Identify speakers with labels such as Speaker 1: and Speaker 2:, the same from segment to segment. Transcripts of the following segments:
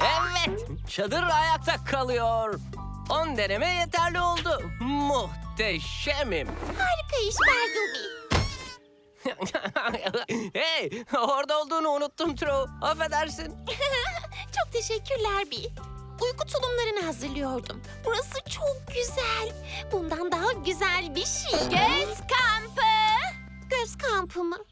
Speaker 1: Evet, çadır ayakta kalıyor. 10 deneme yeterli oldu. Muhteşemim.
Speaker 2: Harika iş Bartleby.
Speaker 1: Hey, orada olduğunu unuttum True. Affedersin.
Speaker 2: Çok teşekkürler Bee. Uyku tulumlarını hazırlıyordum. Burası çok güzel. Bundan daha güzel bir şey. Göz kampı. Göz kampı mı?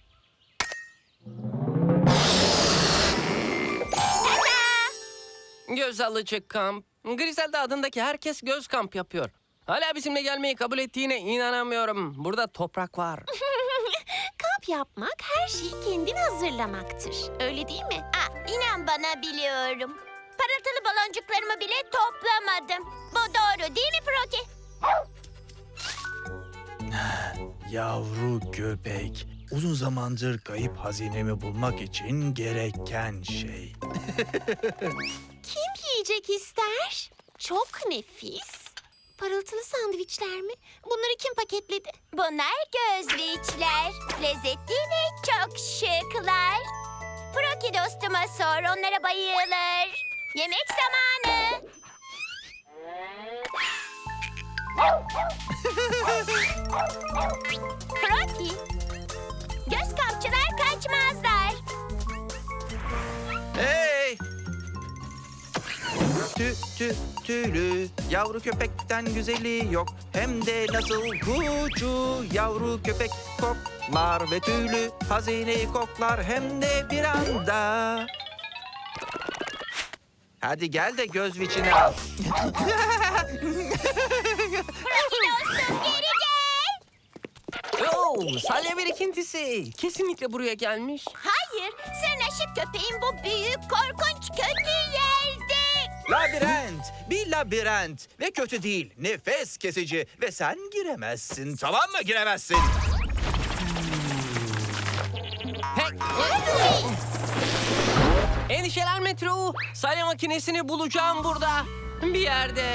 Speaker 1: Göz alıcı kamp. Griselda adındaki herkes göz kamp yapıyor. Hala bizimle gelmeyi kabul ettiğine inanamıyorum. Burada toprak var.
Speaker 2: Kamp yapmak her şeyi kendin hazırlamaktır. Öyle değil mi?
Speaker 3: İnan bana biliyorum. Parıltılı baloncuklarımı bile toplamadım. Bu doğru değil mi Froki?
Speaker 4: Yavru köpek. Uzun zamandır kayıp hazinemi bulmak için gereken şey.
Speaker 2: Kim yiyecek ister? Çok nefis. Parıltılı sandviçler mi? Bunları kim paketledi?
Speaker 3: Bunlar gözlüçler. Lezzetli ve çok şıklar. Froki dostuma sor, onlara bayılır. Yemek zamanı. Froki, göz kampçılar kaçmazlar.
Speaker 4: Hey! Tüylü yavru köpekten güzeli yok. Hem de nasıl kucu yavru köpek koklar ve tüylü hazineyi koklar hem de bir anda. Hadi gel de göz viçini al.
Speaker 3: Froki dostum geri gel.
Speaker 1: Oo, salya birikintisi. Kesinlikle buraya gelmiş.
Speaker 3: Hayır, sırnaşık köpeğin bu büyük, korkunç, kötü yerde.
Speaker 4: Labirent, bir labirent ve kötü değil, nefes kesici ve sen giremezsin, tamam mı? Giremezsin.
Speaker 1: Hey. Endişelenme True. Salya makinesini bulacağım burada. Bir yerde.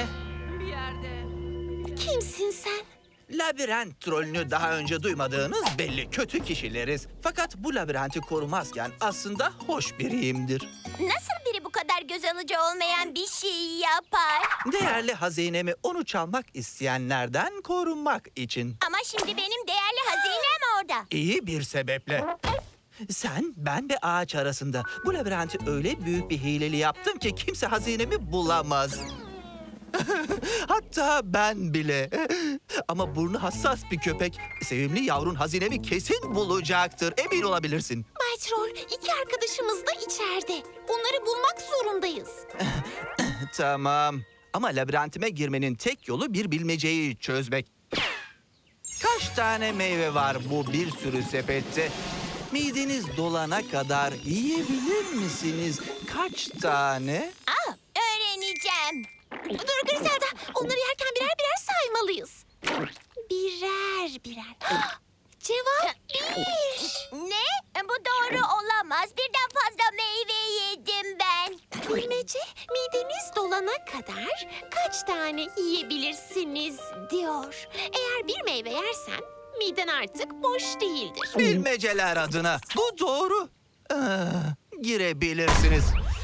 Speaker 2: Kimsin sen?
Speaker 4: Labirent trolünü daha önce duymadığınız belli, kötü kişileriz. Fakat bu labirenti korumazken aslında hoş biriyimdir.
Speaker 3: Nasıl biri bu kadar göz alıcı olmayan bir şey yapar?
Speaker 4: Değerli hazinemi onu çalmak isteyenlerden korunmak için.
Speaker 3: Ama şimdi benim değerli hazinem orada.
Speaker 4: İyi bir sebeple. Sen, ben ve ağaç arasında bu labirenti öyle büyük bir hileli yaptım ki kimse hazinemi bulamaz. Hatta ben bile. Ama burnu hassas bir köpek. Sevimli yavrun hazinemi kesin bulacaktır. Emin olabilirsin.
Speaker 2: Bay Troll, iki arkadaşımız da içeride. Onları bulmak zorundayız.
Speaker 4: Tamam. Ama labirentime girmenin tek yolu bir bilmeceyi çözmek. Kaç tane meyve var bu bir sürü sepette? Mideniz dolana kadar yiyebilir misiniz? Kaç tane?
Speaker 3: Öğreneceğim.
Speaker 2: Dur Griselda, onları yerken birer birer saymalıyız. Birer birer. Cevap bir.
Speaker 3: Ne? Bu doğru olamaz. Birden fazla meyve yedim ben.
Speaker 2: Bilmece, mideniz dolana kadar kaç tane yiyebilirsiniz diyor. Eğer bir meyve yersen miden artık boş değildir.
Speaker 4: Bilmeceler adına. Bu doğru. Girebilirsiniz.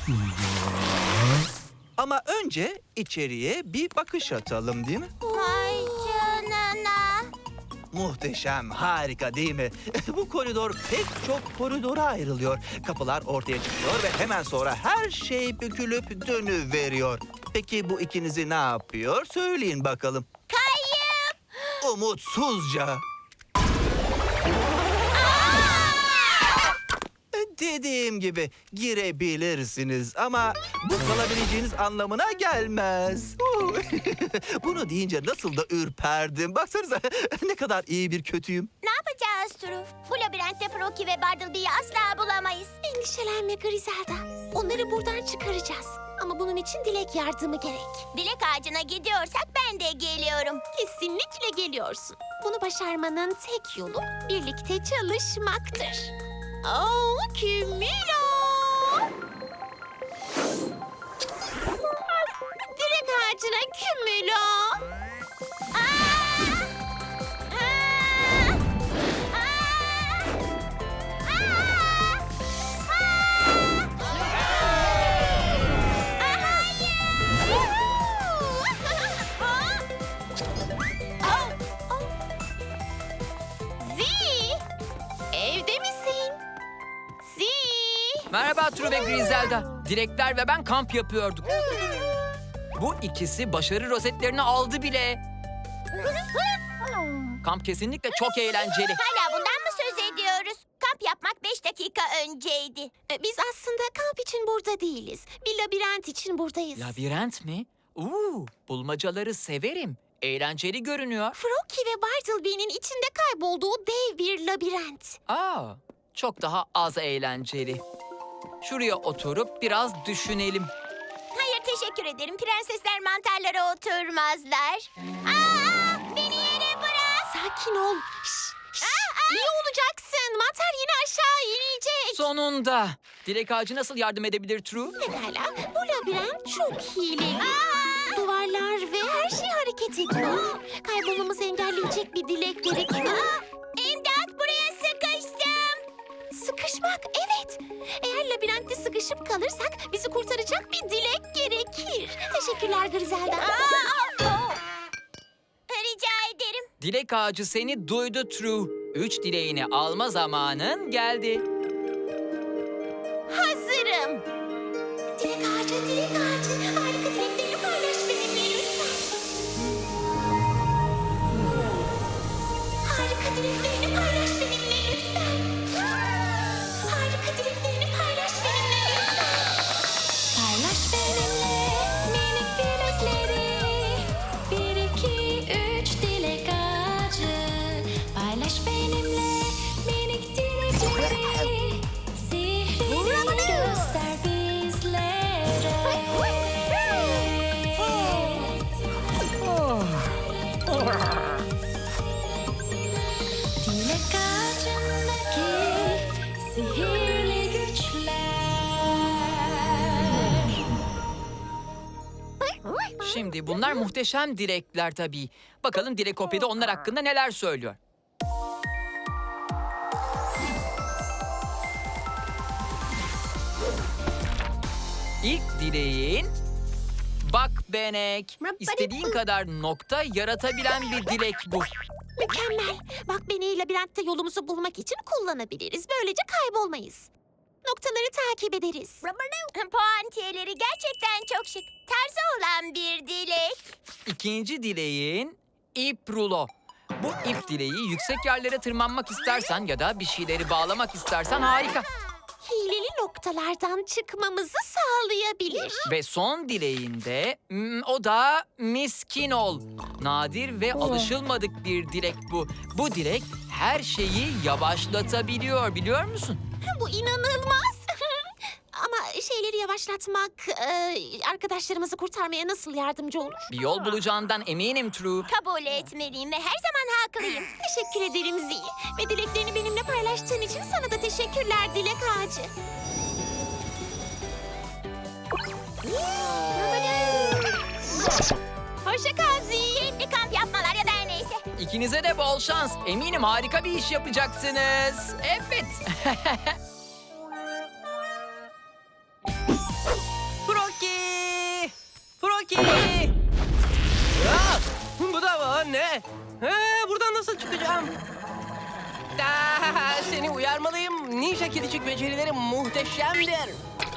Speaker 4: Ama önce içeriye bir bakış atalım değil mi?
Speaker 3: Vay canına.
Speaker 4: Muhteşem, harika değil mi? Bu koridor pek çok koridora ayrılıyor. Kapılar ortaya çıkıyor ve hemen sonra her şey bükülüp dönüveriyor. Peki bu ikinizi ne yapıyor? Söyleyin bakalım.
Speaker 3: Kayıp.
Speaker 4: Umutsuzca. Dediğim gibi girebilirsiniz ama bu kalabileceğiniz anlamına gelmez. Bunu deyince nasıl da ürperdim. Baksanıza ne kadar iyi bir kötüyüm.
Speaker 3: Ne yapacağız Truf? Bu labirentte Froki ve Bartleby'yi asla bulamayız.
Speaker 2: Endişelenme Griselda. Onları buradan çıkaracağız. Ama bunun için dilek yardımı gerek.
Speaker 3: Dilek ağacına gidiyorsak ben de geliyorum.
Speaker 2: Kesinlikle geliyorsun. Bunu başarmanın tek yolu birlikte çalışmaktır. Oh, Kümülo! Dilek ağacına Kümülo!
Speaker 5: Merhaba True ve Griselda. Dilekler ve ben kamp yapıyorduk. Bu ikisi başarı rozetlerini aldı bile. Kamp kesinlikle çok eğlenceli.
Speaker 3: Hala bundan mı söz ediyoruz? Kamp yapmak 5 dakika önceydi.
Speaker 2: Biz aslında kamp için burada değiliz. Bir labirent için buradayız.
Speaker 5: Labirent mi? Bulmacaları severim. Eğlenceli görünüyor.
Speaker 2: Froggy ve Bartleby'nin içinde kaybolduğu dev bir labirent.
Speaker 5: Çok daha az eğlenceli. Şuraya oturup biraz düşünelim.
Speaker 3: Hayır teşekkür ederim. Prensesler mantarlara oturmazlar. Beni yere bırak.
Speaker 2: Sakin ol. İyi olacaksın. Mantar yine aşağı inecek.
Speaker 5: Sonunda. Dilek ağacı nasıl yardım edebilir True?
Speaker 2: Pekala. Bu labirent çok hileli. Duvarlar ve her şey hareket ediyor. Kaybolmamızı engelleyecek bir dilek gerekiyor.
Speaker 3: İmdat, buraya sıkıştım.
Speaker 2: Sıkışmak, evet. Eğer labirentte sıkışıp kalırsak bizi kurtaracak bir dilek gerekir. Teşekkürler Griselda.
Speaker 3: Rica ederim.
Speaker 5: Dilek ağacı seni duydu True. 3 dileğini alma zamanın geldi.
Speaker 2: Hazırım. Dilek ağacı, dilek ağacı. Harika dileklerini paylaş benimle lütfen. Harika dileklerini paylaş benimle lütfen. Harika dileklerini paylaş benimle lütfen. Paylaş benimle minik dilekleri. 1, 2, 3 dilek ağacı. Paylaş benimle minik dilekleri. Sihrini göster bizlere. Dilek ağacındaki sihirli güçler.
Speaker 5: Şimdi bunlar muhteşem dilekler tabii. Bakalım Dilekopya'da onlar hakkında neler söylüyor. İlk dileğin... Bak Benek, istediğin kadar nokta yaratabilen bir dilek bu.
Speaker 2: Mükemmel. Bak beni labirentte yolumuzu bulmak için kullanabiliriz. Böylece kaybolmayız. Noktaları takip ederiz.
Speaker 3: Puantiyeleri gerçekten çok şık. Tarzı olan bir dilek.
Speaker 5: İkinci dileğin ip rulo. Bu ip dileği yüksek yerlere tırmanmak istersen ya da bir şeyleri bağlamak istersen harika.
Speaker 2: Hileli noktalardan çıkmamızı sağlayabilir.
Speaker 5: Ve son dileğinde o da miskin ol. Nadir ve alışılmadık bir dilek bu. Bu dilek her şeyi yavaşlatabiliyor, biliyor musun?
Speaker 2: Bu inanılmaz. Ama şeyleri yavaşlatmak arkadaşlarımızı kurtarmaya nasıl yardımcı olur?
Speaker 5: Bir yol bulacağından eminim True.
Speaker 3: Kabul etmeliyim ve her zaman haklıyım.
Speaker 2: Teşekkür ederim Zee. Ve dileklerini benimle paylaştığın için sana da teşekkürler Dilek Ağacı. Hoşça kal Zee.
Speaker 3: Keyifli kamp yapmalar ya da her neyse.
Speaker 5: İkinize de bol şans. Eminim harika bir iş yapacaksınız. Evet.
Speaker 1: Froggy! Froggy! Bu da ne? Buradan nasıl çıkacağım? Seni uyarmalıyım. Ninja kedicik becerileri muhteşemdir.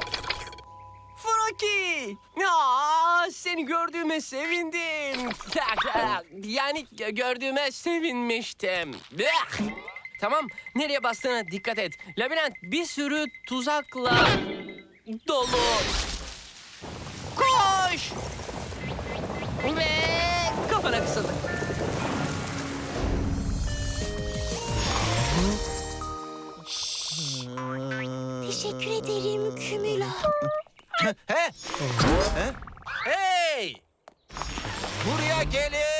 Speaker 1: Froggy! Seni gördüğüme sevindim. Yani gördüğüme sevinmiştim. Tamam, nereye bastığına dikkat et. Labirent bir sürü tuzakla dolu. Koş! Ve kafana kısıldı.
Speaker 2: Teşekkür ederim Kümülo.
Speaker 4: He? He? Hey! Buraya gelin!